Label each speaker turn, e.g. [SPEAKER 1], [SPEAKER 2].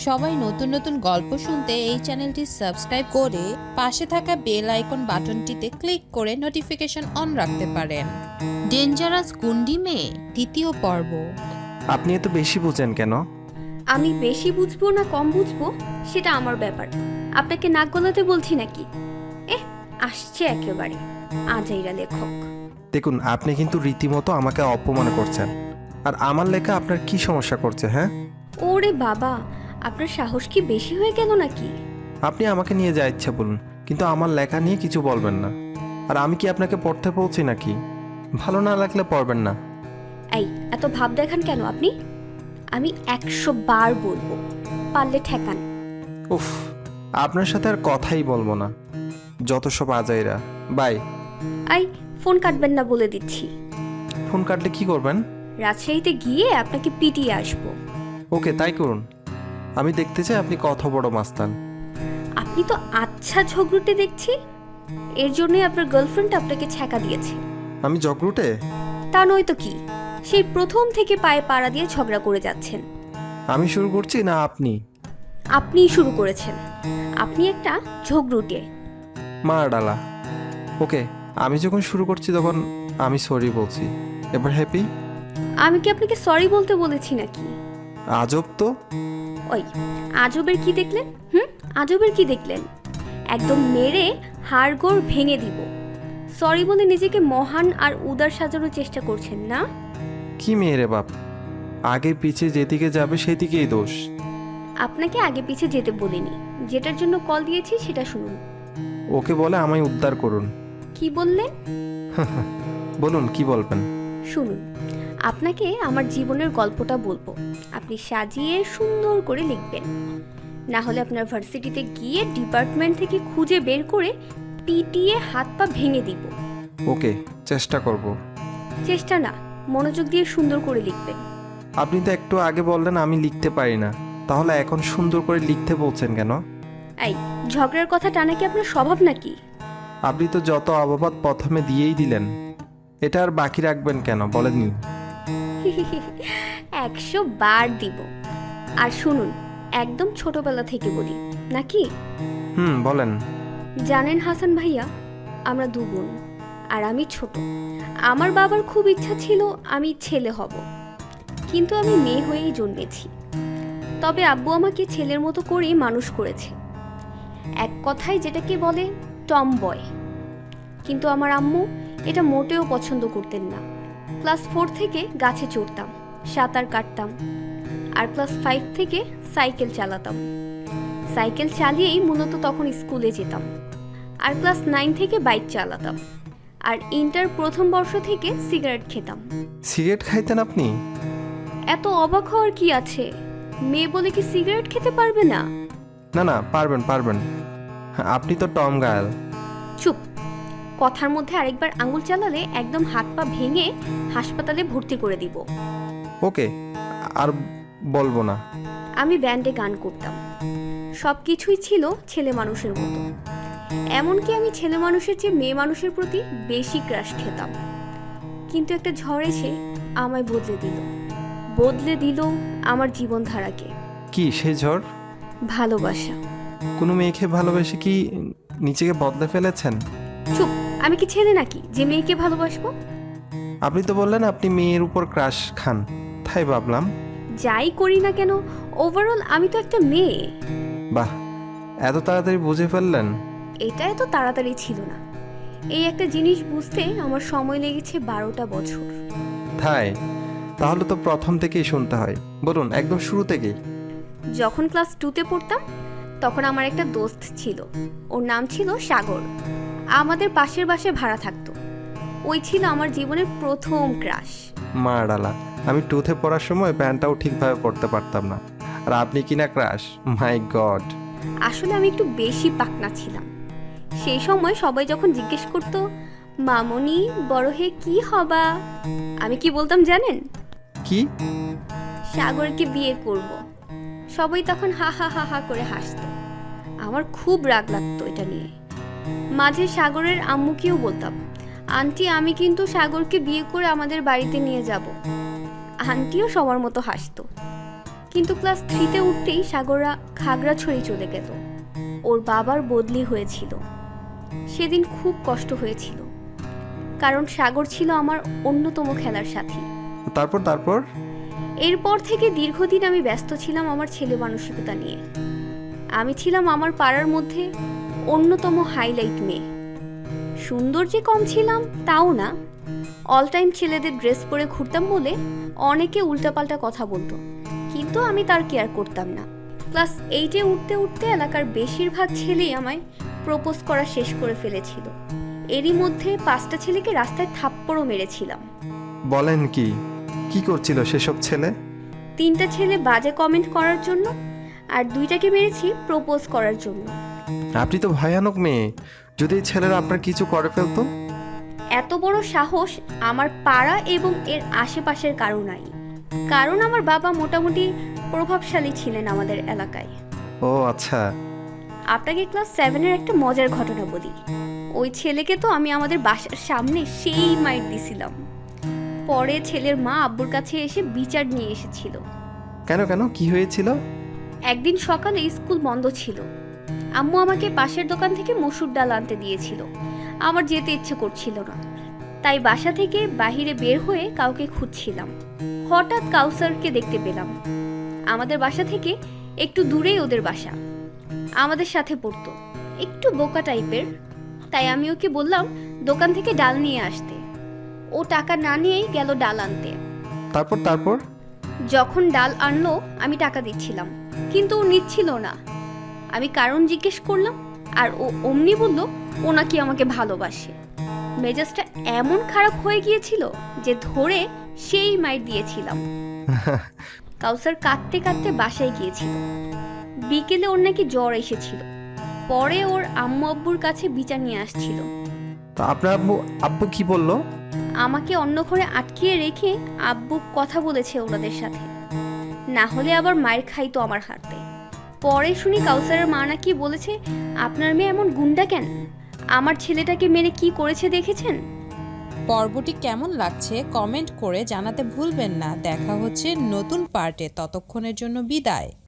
[SPEAKER 1] সবাই নতুন নতুন গল্প শুনতে এই চ্যানেলটি সাবস্ক্রাইব করে পাশে থাকা বেল আইকন বাটনটিতে ক্লিক করে নোটিফিকেশন অন রাখতে পারেন। ডেঞ্জারাস গুন্ডি মেয়ে দ্বিতীয় পর্ব।
[SPEAKER 2] আপনি এত বেশি বুঝেন কেন?
[SPEAKER 3] আমি বেশি বুঝবো না কম বুঝবো সেটা আমার ব্যাপার। আপনাকে নাক গলাতে বলছি নাকি? আসছে একেবারে আজাইরা লেখক।
[SPEAKER 2] দেখুন, আপনি কিন্তু রীতিমতো আমাকে অপমান করছেন। আর আমার লেখা আপনার কি সমস্যা করছে? হ্যাঁ,
[SPEAKER 3] ওরে বাবা, আপনার সাহস কি বেশি হয়ে গেল নাকি?
[SPEAKER 2] আপনি আমাকে নিয়ে যা ইচ্ছা বলুন, কিন্তু আমার লেখা নিয়ে কিছু বলবেন না। আর আমি কি আপনাকে পড়তে বলছি নাকি? ভালো না লাগলে পড়বেন না।
[SPEAKER 3] এই এত ভাব দেখান কেন আপনি? আমি 100 বার বলবো, পারলে ঠেকান।
[SPEAKER 2] উফ, আপনার সাথে আর কথাই বলবো না। যত সব আজাইরা। বাই।
[SPEAKER 3] আই ফোন কাটবেন না বলে দিচ্ছি।
[SPEAKER 2] ফোন কাটলে কি করবেন?
[SPEAKER 3] রাজশাহীতে গিয়ে আপনাকে পিটিয়ে আসবো।
[SPEAKER 2] ওকে, তাই করুন। আমি দেখতে চাই আপনি কত বড় মাস্তান।
[SPEAKER 3] আপনি তো আচ্ছা ঝগড়ুটে দেখছি। এর জন্যই আপনার গার্লফ্রেন্ড আপনাকে ছ্যাঁকা দিয়েছে।
[SPEAKER 2] আমি জগরুটে?
[SPEAKER 3] তা নয় তো কি, সেই প্রথম থেকে পায়ে পাড়া দিয়ে ঝগড়া করে যাচ্ছেন।
[SPEAKER 2] আমি শুরু করছি না আপনি?
[SPEAKER 3] আপনিই শুরু করেছেন। আপনি একটা ঝগড়ুটে।
[SPEAKER 2] মার ডালা। ওকে, আমি যখন শুরু করছি তখন আমি সরি বলছি। এবার হ্যাপি?
[SPEAKER 3] আমি কি আপনাকে সরি বলতে বলেছি নাকি?
[SPEAKER 2] আজব তো।
[SPEAKER 3] ওই আজবের কি দেখলেন? আজবের কি দেখলেন? একদম মেরে হাড়গোড় ভেঙে দিব। সরি বলে নিজেকে মহান আর উদার সাজানোর চেষ্টা করছেন না?
[SPEAKER 2] কি মেয়ে রে বাপ, আগে পিছে যেদিকে যাবে সেদিকেই দোষ।
[SPEAKER 3] আপনাকে আগে পিছে যেতে বলিনি, যেটার জন্য কল দিয়েছি সেটা শুনুন।
[SPEAKER 2] ওকে বলে আমায় উদ্ধার করুন।
[SPEAKER 3] কি বললেন?
[SPEAKER 2] বলুন, কি বলবেন?
[SPEAKER 3] শুনুন, আপনাকে আমার জীবনের গল্পটা বলবো। আপনি সাজিয়ে সুন্দর করে লিখবেন। না হলে আপনার ভার্সিটিতে গিয়ে ডিপার্টমেন্ট থেকে খুঁজে বের করে পিটিয়ে হাত পা ভেঙে দিব।
[SPEAKER 2] ওকে, চেষ্টা করব।
[SPEAKER 3] চেষ্টা না, মনোযোগ দিয়ে সুন্দর করে লিখবেন।
[SPEAKER 2] আপনি তো একটু আগে বললেন আমি লিখতে পারি না, তাহলে এখন সুন্দর করে লিখতে বলছেন কেন?
[SPEAKER 3] এই ঝগড়ার কথা টানা কি আপনার স্বভাব নাকি?
[SPEAKER 2] আপনি তো যত অবাবত প্রথমে দিয়েই দিলেন, এটা আর বাকি রাখবেন কেন বলেননি?
[SPEAKER 3] 100 বার দিব। আর শুনুন, একদম ছোটবেলা থেকে বলি নাকি?
[SPEAKER 2] বলেন।
[SPEAKER 3] জানেন হাসান ভাইয়া, আমরা দু বোন আর আমি ছোট। আমার বাবার খুব ইচ্ছা ছিল আমি ছেলে হব, কিন্তু আমি মেয়ে হয়েই জন্মেছি। তবে আব্বু আমাকে ছেলের মতো করেই মানুষ করেছে। এক কথায় যেটাকে বলে টম বয়। কিন্তু আমার আম্মু এটা মোটেও পছন্দ করতেন না। ক্লাস 4 থেকে গাছে চড়তাম, সাঁতার কাটতাম, আর ক্লাস 5 থেকে সাইকেল চালাতাম। সাইকেল চালিয়েই মূলত তখন স্কুলে যেতাম। আর ক্লাস 9 থেকে বাইক চালাতাম। আর ইন্টার প্রথম বর্ষ থেকে সিগারেট খেতাম।
[SPEAKER 2] সিগারেট খাইতেন আপনি?
[SPEAKER 3] এত অবাক হওয়ার কি আছে? মেয়ে বলে কি সিগারেট খেতে পারবে না?
[SPEAKER 2] না না, পারবেন পারবেন, আপনি তো টম গায়াল।
[SPEAKER 3] চুপ! কথার মধ্যে আরেকবার আঙুল চালালে একদম হাত পা ভেঙে হাসপাতালে ভর্তি করে দিব।
[SPEAKER 2] ওকে, আর বলবো না।
[SPEAKER 3] আমি ব্যান্ডে গান করতাম। সব কিছুই ছিল ছেলে মানুষের মতো। এমনকি আমি ছেলে মানুষের চেয়ে মেয়ে মানুষের প্রতি বেশি ক্রাশ খেতাম। কিন্তু একটা ঝড় এসে আমায় বদলে দিল আমার জীবনধারাকে।
[SPEAKER 2] কি সেই ঝড়?
[SPEAKER 3] ভালোবাসা।
[SPEAKER 2] কোনো মেয়েকে ভালোবেসে কি নিজেকে বদলে ফেলেছেন?
[SPEAKER 3] চুপ! আমি কি ছেলে নাকি যে মেয়েকে ভালোবাসবো?
[SPEAKER 2] আপনি তো বললেন আপনি মেয়ের উপর ক্রাশ খান, তাই ভাবলাম।
[SPEAKER 3] যাই করি না কেন, ওভারঅল আমি তো একটা মেয়ে।
[SPEAKER 2] বাহ, এত তাড়াতাড়ি বুঝে ফেললেন?
[SPEAKER 3] এটা এত তাড়াতাড়ি ছিল না। এই একটা জিনিস বুঝতে আমার সময় লেগেছে 12টা বছর।
[SPEAKER 2] তাই? তাহলে তো প্রথম থেকেই শুনতে হয়। বলুন, একদম শুরু থেকেই।
[SPEAKER 3] যখন ক্লাস 2তে পড়তাম তখন আমার একটা দোস্ত ছিল। ওর নাম ছিল সাগর। আমাদের পাশের বাসায় ভাড়া থাকতো। ওই ছিল আমার জীবনের প্রথম ক্রাশ।
[SPEAKER 2] মা ডালা, আমি 2তে পড়ার সময় প্যান্টটাও ঠিকভাবে পড়তে পারতাম না, আর আপনি কিনা ক্রাশ! মাই গড!
[SPEAKER 3] আসলে আমি একটু বেশি পাকনা ছিলাম। সেই সময় সবাই যখন জিজ্ঞেস করতো, মামনি বড় হয়ে কি হবা, আমি কি বলতাম জানেন?
[SPEAKER 2] কি?
[SPEAKER 3] সাগরকে বিয়ে করব। সবাই তখন হা হা হা হা করে হাসতো। আমার খুব রাগ লাগতো এটা নিয়ে। মাঝে সাগরের আম্মুকেও বলতাম, আন্টি আমি কিন্তু সাগরকে বিয়ে করে আমাদের বাড়িতে নিয়ে যাব। আন্টিও সবার মতো হাসতো। কিন্তু ক্লাস 3-তে উঠতেই সাগররা খাগড়াছড়ি চলে গেল। ওর বাবার বদলি হয়েছিল। সেদিন খুব কষ্ট হয়েছিল, কারণ সাগর ছিল আমার অন্যতম খেলার সাথী।
[SPEAKER 2] তারপর তারপর
[SPEAKER 3] এরপর থেকে দীর্ঘদিন আমি ব্যস্ত ছিলাম আমার ছেলে মানসিকতা নিয়ে। আমি ছিলাম আমার পাড়ার মধ্যে অন্যতম হাইলাইট মেয়ে। সুন্দর যে কম ছিলাম তাও না, অল টাইম ছেলেদের ড্রেস পরে ঘুরতাম বলে অনেকে উল্টাপাল্টা কথা বলতো, কিন্তু আমি তার কেয়ার করতাম না। ক্লাস 8-এ উঠতে উঠতে এলাকার বেশিরভাগ ছেলেই আমায় প্রপোজ করা শেষ করে ফেলেছিল। এরই মধ্যে 5টা ছেলেকে রাস্তায় থাপ্পড়ও মেরেছিলাম।
[SPEAKER 2] বলেন কি কি করছিল সেসব ছেলে?
[SPEAKER 3] 3টা ছেলে বাজে কমেন্ট করার জন্য, আর 2টাকে মেরেছি প্রপোজ করার জন্য।
[SPEAKER 2] আপনি তো ভয়ানক মেয়ে। যদি এই ছেলেরা আপনার কিছু করে ফেলতো?
[SPEAKER 3] এত বড় সাহস আমার পাড়া এবং এর আশেপাশের কারো নাই, কারণ আমার বাবা মোটামুটি প্রভাবশালী ছিলেন আমাদের এলাকায়।
[SPEAKER 2] ও আচ্ছা।
[SPEAKER 3] আপনাকে ক্লাস 7-এর একটা মজার ঘটনা বলি। ওই ছেলেকে তো আমি আমাদের বাসার সামনে সেই মাইর দিছিলাম। পরে ছেলের মা আব্বুর কাছে এসে বিচার নিয়ে এসেছিল।
[SPEAKER 2] কেন কেন কি হয়েছিল?
[SPEAKER 3] একদিন সকালে স্কুল বন্ধ ছিল। আম্মু আমাকে পাশের দোকান থেকে মসুর ডাল আনতে দিয়েছিল। আমার যেতে ইচ্ছে করছিল না, তাই বাসা থেকে বাহিরে বের হয়ে কাউকে খুঁজছিলাম। হঠাৎ কাউসারকে দেখতে পেলাম। আমাদের বাসা থেকে একটু দূরেই ওদের বাসা। আমাদের সাথে পড়তো, একটু বোকা টাইপের। তাই আমি ওকে বললাম দোকান থেকে ডাল নিয়ে আসতে। ও টাকা না নিয়েই গেল ডাল আনতে।
[SPEAKER 2] তারপর তারপর
[SPEAKER 3] যখন ডাল আনলো আমি টাকা দিচ্ছিলাম, কিন্তু ও নিচ্ছিল না। আমি কারণ জিজ্ঞেস করলাম, আর ও অমনি বলল ও নাকি আমাকে ভালোবাসে। মেজাজটা এমন খারাপ হয়ে গিয়েছিল যে ধরে সেই মাইর দিয়েছিলাম। কাউসার কাঁদতে কাঁদতে বাসায় গিয়েছিল। বিকেলে ওর নাকি জ্বর এসেছিল। পরে ওর আম্মু আব্বুর কাছে বিচার নিয়ে আসছিল।
[SPEAKER 2] তা আপনার আব্বু আব্বু কি বললো?
[SPEAKER 3] আমাকে অন্য ঘরে আটকিয়ে রেখে আব্বু কথা বলেছে ওনাদের সাথে, না হলে আবার মায়ের খাইতো আমার হাতে। পরে শুনি কাউসারের মা নাকি বলেছে, আপনার মেয়ে এমন গুন্ডা কেন? আমার ছেলেটাকে মেরে কি করেছে দেখেছেন?
[SPEAKER 1] পর্বটি কেমন লাগছে কমেন্ট করে জানাতে ভুলবেন না। দেখা হচ্ছে নতুন পার্টে, ততক্ষণের জন্য বিদায়।